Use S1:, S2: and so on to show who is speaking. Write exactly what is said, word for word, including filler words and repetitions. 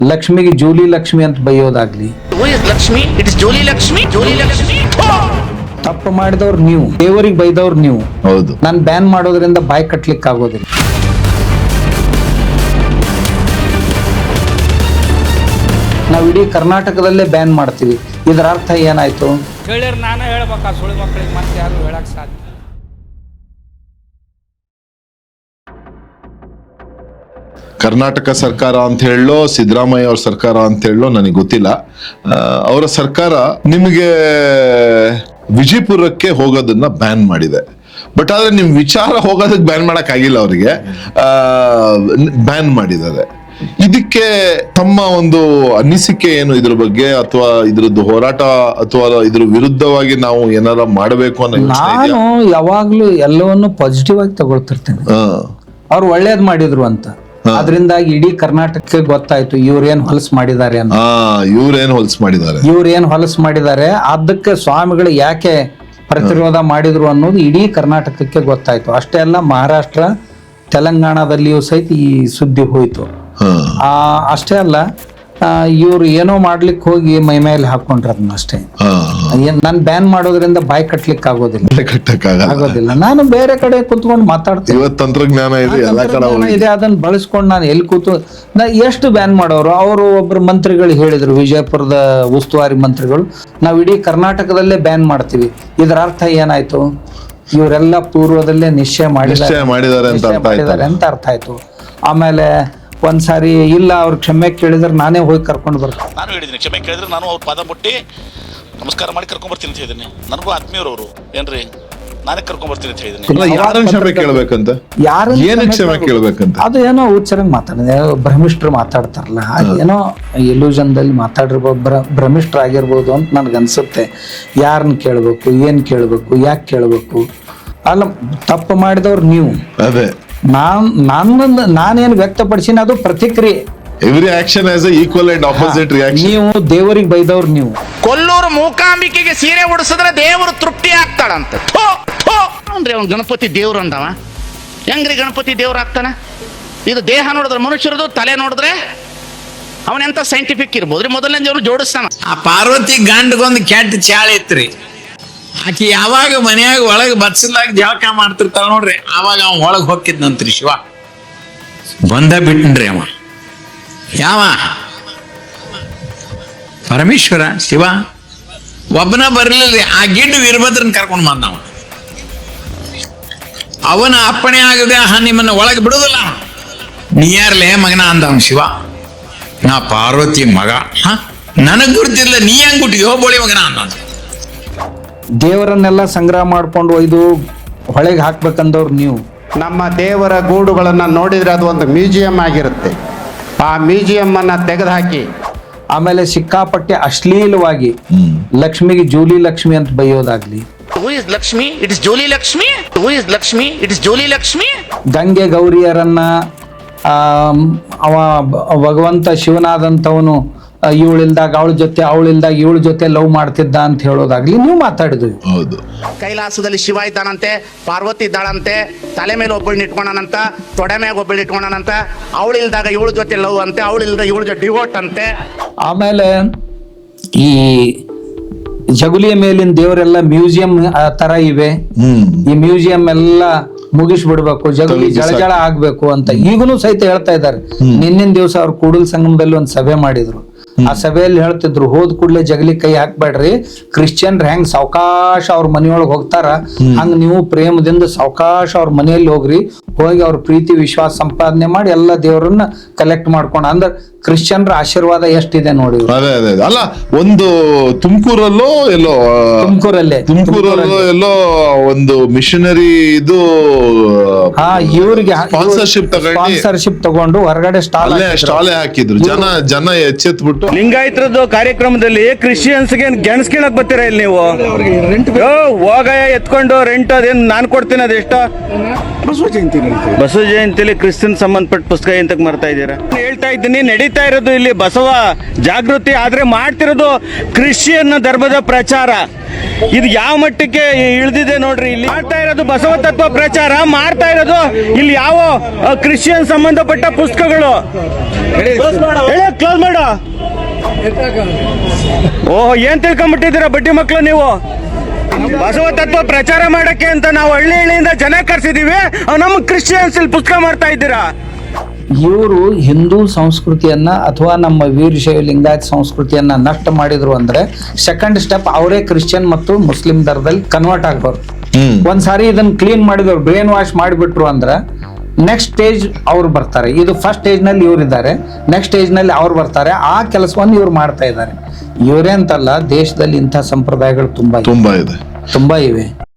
S1: ಲಕ್ಷ್ಮಿಗೆ ಜೂಲಿ ಲಕ್ಷ್ಮಿ ಅಂತ ಬೈಯೋದಾಗ್ಲಿ,
S2: Lakshmi it is Julie Lakshmi Julie Lakshmi
S1: ತಪ್ಪು ಮಾಡಿದವ್ರು ನೀವು, ದೇವರಿಗೆ ಬೈದವ್ರು ನೀವು.
S3: ಹೌದು,
S1: ನಾನು ಬ್ಯಾನ್ ಮಾಡೋದ್ರಿಂದ ಬಾಯಿ ಕಟ್ಲಿಕ್ಕೆ ಆಗೋದಿಲ್ಲ. ನಾವು ಇಡೀ ಕರ್ನಾಟಕದಲ್ಲೇ ಬ್ಯಾನ್ ಮಾಡ್ತೀವಿ, ಇದರ ಅರ್ಥ ಏನಾಯ್ತು?
S4: ಹೇಳಿರ್ ನಾನೇ ಹೇಳ್ಬೇಕಾ ಸುಳ್ಳು ಮಕ್ಕಳಿಗೆ, ಮತ್ತೆ ಯಾರು ಹೇಳಕ್ ಸಾಧ್ಯ?
S3: ಕರ್ನಾಟಕ ಸರ್ಕಾರ ಅಂತ ಹೇಳೋ ಸಿದ್ದರಾಮಯ್ಯ ಅವ್ರ ಸರ್ಕಾರ ಅಂತ ಹೇಳೋ ನನಗೆ ಗೊತ್ತಿಲ್ಲ. ಅವರ ಸರ್ಕಾರ ನಿಮಗೆ ವಿಜಯಪುರಕ್ಕೆ ಹೋಗೋದನ್ನ ಬ್ಯಾನ್ ಮಾಡಿದೆ. ಬಟ್ ಆದ್ರೆ ನಿಮ್ ವಿಚಾರ ಹೋಗೋದಕ್ಕೆ ಬ್ಯಾನ್ ಮಾಡಕ್ ಆಗಿಲ್ಲ, ಅವರಿಗೆ ಬ್ಯಾನ್ ಮಾಡಿದ್ದಾರೆ. ಇದಕ್ಕೆ ತಮ್ಮ ಒಂದು ಅನಿಸಿಕೆ ಏನು ಇದ್ರ ಬಗ್ಗೆ, ಅಥವಾ ಇದ್ರದ್ದು ಹೋರಾಟ ಅಥವಾ ಇದ್ರ ವಿರುದ್ಧವಾಗಿ ನಾವು ಏನಾರ ಮಾಡಬೇಕು ಅನ್ನೋ ಯೋಚನೆ ಇದೆಯಾ?
S1: ನಾನು ಯಾವಾಗ್ಲೂ ಎಲ್ಲವನ್ನು ಪಾಸಿಟಿವ್ ಆಗಿ ತಗೊಳ್ತಿರ್ತೇನೆ. ಅವ್ರು ಒಳ್ಳೇದ್ ಮಾಡಿದ್ರು ಅಂತ, ಅದರಿಂದಾಗಿ ಇಡೀ ಕರ್ನಾಟಕಕ್ಕೆ ಗೊತ್ತಾಯ್ತು ಇವ್ರೇನ್ ಹೊಲಸ್ ಮಾಡಿದ್ದಾರೆ ಅಂತ.
S3: ಇವ್ರೇನ್ ಹೊಲಸ್ ಮಾಡಿದ್ದಾರೆ
S1: ಇವ್ರೇನ್ ಹೊಲಸ್ ಮಾಡಿದ್ದಾರೆ ಅದಕ್ಕೆ ಸ್ವಾಮಿಗಳು ಯಾಕೆ ಪ್ರತಿರೋಧ ಮಾಡಿದ್ರು ಅನ್ನೋದು ಇಡೀ ಕರ್ನಾಟಕಕ್ಕೆ ಗೊತ್ತಾಯ್ತು. ಅಷ್ಟೇ ಅಲ್ಲ, ಮಹಾರಾಷ್ಟ್ರ ತೆಲಂಗಾಣದಲ್ಲಿಯೂ ಸಹಿತ ಈ ಸುದ್ದಿ ಹೋಯ್ತು. ಆ ಅಷ್ಟೇ ಅಲ್ಲ, ಇವ್ರು ಏನೋ ಮಾಡ್ಲಿಕ್ಕೆ ಹೋಗಿ ಮೈ ಮೇಲೆ ಹಾಕೊಂಡ್ರ ಅದನ್ನ ಅಷ್ಟೇ. ನಾನ್ ಬ್ಯಾನ್ ಮಾಡೋದ್ರಿಂದ ಬಾಯಿ ಕಟ್ಲಿಕ್ಕೆ ಆಗೋದಿಲ್ಲ, ಆಗೋದಿಲ್ಲ. ನಾನು ಬೇರೆ ಕಡೆ ಕುತ್ಕೊಂಡು ಮಾತಾಡ್ತೀನಿ.
S3: ಇವತ್ತು ತಂತ್ರಜ್ಞಾನ ಇದೆ, ಎಲ್ಲ ಕಡೆ
S1: ಇದೆ, ಅದನ್ನ ಬಳಸ್ಕೊಂಡು ನಾನು ಎಲ್ಲಿ ಕೂತು ನಾ ಎಷ್ಟು ಬ್ಯಾನ್ ಮಾಡೋರು. ಅವರು ಒಬ್ರು ಮಂತ್ರಿಗಳು ಹೇಳಿದ್ರು, ವಿಜಯಪುರದ ಉಸ್ತುವಾರಿ ಮಂತ್ರಿಗಳು, ನಾವ್ ಇಡೀ ಕರ್ನಾಟಕದಲ್ಲೇ ಬ್ಯಾನ್ ಮಾಡ್ತೀವಿ. ಇದರ ಅರ್ಥ ಏನಾಯ್ತು? ಇವರೆಲ್ಲ ಪೂರ್ವದಲ್ಲೇ ನಿಶ್ಚಯ ಮಾಡಿದ್ದಾರೆ ಅಂತ ಅರ್ಥ ಆಯ್ತು. ಆಮೇಲೆ ಒಂದ್ಸಾರಿ ಇಲ್ಲ ಅವ್ರ ಕ್ಷಮೆ ಕೇಳಿದ್ರೆ ನಾನೇ ಹೋಗಿ ಕರ್ಕೊಂಡು ಬರ್ತೀನಿ.
S2: ನಾನು ಹೇಳಿದ್ದೀನಿ, ಕ್ಷಮೆ ಕೇಳಿದ್ರೆ ನಾನು ಅವ್ರ ಪಾದ ಮುಟ್ಟಿ ನಮಸ್ಕಾರ ಮಾಡಿ ಕರ್ಕೊಂಡ್ ಬರ್ತೀನಿ ಅಂತ ಹೇಳಿದ್ದೀನಿ. ನನಗೂ ಆತ್ಮೀಯರವರು ಏನ್ರಿ, ನಾನೇ ಕರ್ಕೊಂಡ್ ಬರ್ತೀನಿ ಅಂತ ಹೇಳಿದ್ದೀನಿ.
S3: ಯಾರನ್ನ ಕ್ಷಮೆ ಕೇಳ್ಬೇಕಂತ,
S1: ಯಾರು
S3: ಏನಕ್ಕೆ ಕ್ಷಮೆ ಕೇಳ್ಬೇಕಂತ?
S1: ಅದು ಏನೋ ಉಚ್ಚರಂಗ್ ಮಾತಾಡಿದೆ, ಭ್ರಮಿಷ್ಟ್ರು ಮಾತಾಡ್ತಾರಲ್ಲ, ಏನೋ ಎಲ್ಯೂಷನ್ದಲ್ಲಿ ಮಾತಾಡಿರ್ಬೋದು, ಭ್ರ ಭ್ರಮಿಷ್ಟ್ರಾಗಿರ್ಬೋದು ಅಂತ ನನ್ಗೆ ಅನ್ಸುತ್ತೆ. ಯಾರನ್ನ ಕೇಳ್ಬೇಕು, ಏನ್ ಕೇಳ್ಬೇಕು, ಯಾಕೆ ಕೇಳ್ಬೇಕು? ಅಲ್ಲ, ತಪ್ಪು ಮಾಡಿದವ್ರು ನೀವು.
S3: ಅದೇ
S1: ನಾನ್ ನನ್ನ ನಾನೇನು ವ್ಯಕ್ತಪಡಿಸಿನ ಅದು ಪ್ರತಿಕ್ರಿಯೆ.
S3: Every action has equal and opposite reaction.
S1: ನೀವು ದೇವರಿಗೆ ಬೈದವ್ರು ನೀವು.
S2: ಕೊಲ್ಲೂರು ಮೂಕಾಂಬಿಕೆಗೆ ಸೀರೆ ಉಡಿಸಿದ್ರೆ ದೇವರು ತೃಪ್ತಿ ಆಗ್ತಾಳಂತ. ಅಂದ್ರೆ ಅವ್ನು ಗಣಪತಿ ದೇವ್ರು ಅಂದವ, ಹೆಂಗ್ರಿ ಗಣಪತಿ ದೇವ್ರು ಆಗ್ತಾನ? ಇದು ದೇಹ ನೋಡಿದ್ರೆ ಮನುಷ್ಯರದು, ತಲೆ ನೋಡಿದ್ರೆ ಅವನೆಂತ ಸೈಂಟಿಫಿಕ್ ಇರ್ಬೋದ್ರಿ. ಮೊದಲನೇ ದೇವ್ರು ಜೋಡಿಸ್ತಾನ.
S5: ಆ ಪಾರ್ವತಿ ಗಂಡಗೊಂದು ಕೆಟ್ಟ ಚಾಳ ಇತ್ರಿ. ಆಕಿ ಯಾವಾಗ ಮನ್ಯಾಗ ಒಳಗೆ ಬಚ್ಚಲಾಗ ಜಳಕ ಮಾಡ್ತಿರ್ತಾಳ ನೋಡ್ರಿ, ಆವಾಗ ಅವ ಒಳಗೆ ಹೋಗಿದ್ನಂತ್ರಿ ಶಿವ. ಬಂದ ಬಿಟ್ಟನ್ರಿ ಅವ. ಯಾವ ಪರಮೇಶ್ವರ ಶಿವ ಒಬ್ಬನ ಬರ್ಲಿಲ್ಲ, ಆ ಗಿಡ್ಡ ವೀರಭದ್ರನ್ ಕರ್ಕೊಂಡು ಬಂದವ. ಅವನ ಅಪ್ಪಣೆ ಆಗದೆ ನಿಮ್ಮನ್ನ ಒಳಗೆ ಬಿಡುದಿಲ್ಲ, ನೀ ಯಾರ್ಲೇ ಮಗನ ಅಂದವ ಶಿವ. ನಾ ಪಾರ್ವತಿ ಮಗ, ಹ ನನಗ್ ಗುರುತಿಲ್ಲ, ನೀ ಹೆಂಗ್ ಗುಟ್ಟಿದ್ಯೋ ಬೋಳಿ ಮಗನ ಅಂದ.
S1: ದೇವರನ್ನೆಲ್ಲ ಸಂಗ್ರಹ ಮಾಡ್ಕೊಂಡು ಒಯ್ದು ಹೊಳೆಗೆ ಹಾಕ್ಬೇಕಂದವ್ರು ನೀವು.
S6: ನಮ್ಮ ದೇವರ ಗೂಡುಗಳನ್ನು ನೋಡಿದ್ರೆ ಅದು ಒಂದು ಮ್ಯೂಸಿಯಂ ಆಗಿರುತ್ತೆ. ಆ ಮ್ಯೂಸಿಯಂ ಅನ್ನ ತೆಗೆದುಹಾಕಿ
S1: ಆಮೇಲೆ ಸಿಕ್ಕಾಪಟ್ಟೆ ಅಶ್ಲೀಲವಾಗಿ ಲಕ್ಷ್ಮಿಗೆ ಜೂಲಿ ಲಕ್ಷ್ಮಿ ಅಂತ ಬೈಯೋದಾಗ್ಲಿ,
S2: who is Lakshmi it is Julie Lakshmi who is Lakshmi it is Julie Lakshmi.
S1: Gange ಗೌರಿಯರನ್ನ ಆ ಅವ ಭಗವಂತ ಶಿವನಾದಂಥವನು ಇವಳಿಲ್ದಾಗ ಅವಳ ಜೊತೆ ಅವಳಿಲ್ದಾಗ ಇವಳ ಜೊತೆ ಲವ್ ಮಾಡ್ತಿದ್ದ ಅಂತ ಹೇಳೋದಾಗ್ಲಿ ನೀವು ಮಾತಾಡಿದ್ವಿ.
S3: ಹೌದು,
S2: ಕೈಲಾಸದಲ್ಲಿ ಶಿವ ಇದ್ದಾನಂತೆ, ಪಾರ್ವತಿ ಇದ್ದಾಳಂತೆ, ತಲೆ ಮೇಲೆ ಒಬ್ಬಳನ್ನ ಇಟ್ಕೊಂಡನಂತ, ತೊಡೆ ಮ್ಯಾಗ ಒಬ್ಬಳು ಇಟ್ಕೊಂಡನಂತ, ಅವಳಿಲ್ದಾಗ ಇವಳ ಜೊತೆ ಲವ್ ಅಂತೆ, ಅವಳಿಲ್ದಾಗ ಇವಳ ಜೊತೆ ಡಿವೋಟ್ ಅಂತೆ.
S1: ಆಮೇಲೆ ಈ ಜಗುಲಿಯ ಮೇಲಿನ ದೇವರೆಲ್ಲ ಮ್ಯೂಸಿಯಂ ತರ ಇವೆ. ಈ ಮ್ಯೂಸಿಯಂ ಎಲ್ಲ ಮುಗಿಸ್ಬಿಡ್ಬೇಕು, ಜಗುಲಿ ಜಳಜಳ ಆಗ್ಬೇಕು ಅಂತ ಈಗನೂ ಸಹಿತ ಹೇಳ್ತಾ ಇದ್ದಾರೆ. ನಿನ್ನಿನ ದಿವಸ ಅವ್ರು ಕೂಡಲ ಸಂಗಮದಲ್ಲಿ ಒಂದ್ ಸಭೆ ಮಾಡಿದ್ರು. ಆ ಸಭೆಯಲ್ಲಿ ಹೇಳ್ತಿದ್ರು, ಹೋದ್ ಕೂಡ್ಲೆ ಜಗಲಿ ಕೈ ಹಾಕ್ಬೇಡ್ರಿ, ಕ್ರಿಶ್ಚಿಯನ್ರ ಹೆಂಗ್ ಸಾವಕಾಶ ಅವ್ರ ಮನೆಯೊಳಗೆ ಹೋಗ್ತಾರ ಹಂಗ ನೀವು ಪ್ರೇಮದಿಂದ ಸಾವಕಾಶ ಅವ್ರ ಮನೆಯಲ್ಲಿ ಹೋಗ್ರಿ, ಹೋಗಿ ಅವ್ರ ಪ್ರೀತಿ ವಿಶ್ವಾಸ ಸಂಪಾದನೆ ಮಾಡಿ ಎಲ್ಲ ದೇವರನ್ನ ಕಲೆಕ್ಟ್ ಮಾಡ್ಕೊಂಡ. ಅಂದ್ರೆ ಕ್ರಿಶ್ಚಿಯನ್ರ ಆಶೀರ್ವಾದ ಎಷ್ಟಿದೆ ನೋಡಿ.
S3: ಅದೇ ಅದೇ ಅಲ್ಲ, ಒಂದು ತುಮಕೂರಲ್ಲೋ ಎಲ್ಲೋ
S1: ತುಮಕೂರಲ್ಲೇ
S3: ತುಮಕೂರಲ್ಲೋ ಎಲ್ಲೋ ಒಂದು ಮಿಷನರಿ ಇದು
S1: ಹಾ ಇವ್ರಿಗೆ
S3: ಸ್ಪಾನ್ಸರ್ಶಿಪ್ ತಗೊಂಡು
S1: ಸ್ಪಾನ್ಸರ್ಶಿಪ್ ತಗೊಂಡು ಹೊರಗಡೆ ಸ್ಟಾಲ್
S3: ಸ್ಟಾಲೆ ಹಾಕಿದ್ರು. ಜನ ಜನ ಎಚ್ಚೆತ್ಬಿಟ್ಟು
S7: ಲಿಂಗಾಯತರದ್ದು ಕಾರ್ಯಕ್ರಮದಲ್ಲಿ ಕ್ರಿಶ್ಚಿಯನ್ಸ್ಗೆ ಗೆಣಸ್ಕೇಳಕ್ ಬರ್ತೀರಾ ಇಲ್ಲಿ ನೀವು? ಹೋಗಯ್ಯ ಎತ್ಕೊಂಡು ರೆಂಟ್ ಅದೇನು ನಾನು ಕೊಡ್ತೀನಿ, ಅದೆಷ್ಟ ಬಸವ ಜಯಂತಿ ಬಸವ ಜಯಂತಿಲಿ ಕ್ರಿಶ್ಚಿಯನ್ ಸಂಬಂಧಪಟ್ಟ ಪುಸ್ತಕ ಎಂತಕ್ ಮಾಡ್ತಾ ಇದ್ದೀರಾ? ಹೇಳ್ತಾ ಇದ್ದೀನಿ, ನಡೀತಾ ಇರೋದು ಇಲ್ಲಿ ಬಸವ ಜಾಗೃತಿ, ಆದ್ರೆ ಮಾಡ್ತಿರೋದು ಕ್ರಿಶ್ಚಿಯನ್ ಧರ್ಮದ ಪ್ರಚಾರ. ಇದು ಯಾವ ಮಟ್ಟಕ್ಕೆ ಇಳಿದಿದೆ ನೋಡ್ರಿ. ಇಲ್ಲಿ ಮಾಡ್ತಾ ಇರೋದು ಬಸವ ತತ್ವ ಪ್ರಚಾರ ಮಾಡ್ತಾ ಇರೋದು ಇಲ್ಲಿ ಯಾವ ಕ್ರಿಶ್ಚಿಯನ್ ಸಂಬಂಧಪಟ್ಟ ಪುಸ್ತಕಗಳು ಕ್ಲೋಸ್ ಮಾಡು. ಓಹ್, ಏನ್ ತಿಳ್ಕೊಂಡ್ಬಿಟ್ಟಿದ್ದೀರಾ ಬಡ್ಡಿ ಮಕ್ಕಳು ನೀವು? ಬಸವ ತತ್ವ ಪ್ರಚಾರ ಮಾಡಕ್ಕೆ ಅಂತ ನಾವು ಹಳ್ಳಿ ಹಳ್ಳಿಯಿಂದ ಜನ ಕರ್ಸಿದೀವಿ, ನಮ್ಮ ಕ್ರಿಶ್ಚಿಯನ್ಸ್ ಇಲ್ಲಿ ಪುಸ್ತಕ ಮಾಡ್ತಾ ಇದ್ದೀರಾ.
S1: ಇವರು ಹಿಂದೂ ಸಂಸ್ಕೃತಿಯನ್ನ ಅಥವಾ ನಮ್ಮ ವೀರಶೈವ ಲಿಂಗಾಯತ್ ಸಂಸ್ಕೃತಿಯನ್ನ ನಷ್ಟ ಮಾಡಿದ್ರು ಅಂದ್ರೆ ಸೆಕೆಂಡ್ ಸ್ಟೆಪ್ ಅವರೇ ಕ್ರಿಶ್ಚಿಯನ್ ಮತ್ತು ಮುಸ್ಲಿಂ ದರದಲ್ಲಿ ಕನ್ವರ್ಟ್ ಆಗ್ಬಾರ್ದು. ಒಂದ್ಸಾರಿ ಇದನ್ನ ಕ್ಲೀನ್ ಮಾಡಿದವ್ರು ಬ್ರೇನ್ ವಾಶ್ ಮಾಡಿಬಿಟ್ರು ಅಂದ್ರೆ ನೆಕ್ಸ್ಟ್ ಸ್ಟೇಜ್ ಅವ್ರು ಬರ್ತಾರೆ. ಇದು ಫಸ್ಟ್ ಸ್ಟೇಜ್ ನಲ್ಲಿ ಇವ್ರು ಇದ್ದಾರೆ, ನೆಕ್ಸ್ಟ್ ಸ್ಟೇಜ್ ನಲ್ಲಿ ಅವ್ರು ಬರ್ತಾರೆ. ಆ ಕೆಲಸವನ್ನು ಇವ್ರು ಮಾಡ್ತಾ ಇದ್ದಾರೆ. ಇವರೇ ಅಂತಲ್ಲ, ದೇಶದಲ್ಲಿ ಇಂಥ ಸಂಪ್ರದಾಯಗಳು ತುಂಬಾ
S3: ತುಂಬಾ ಇದೆ
S1: ತುಂಬಾ ಇವೆ.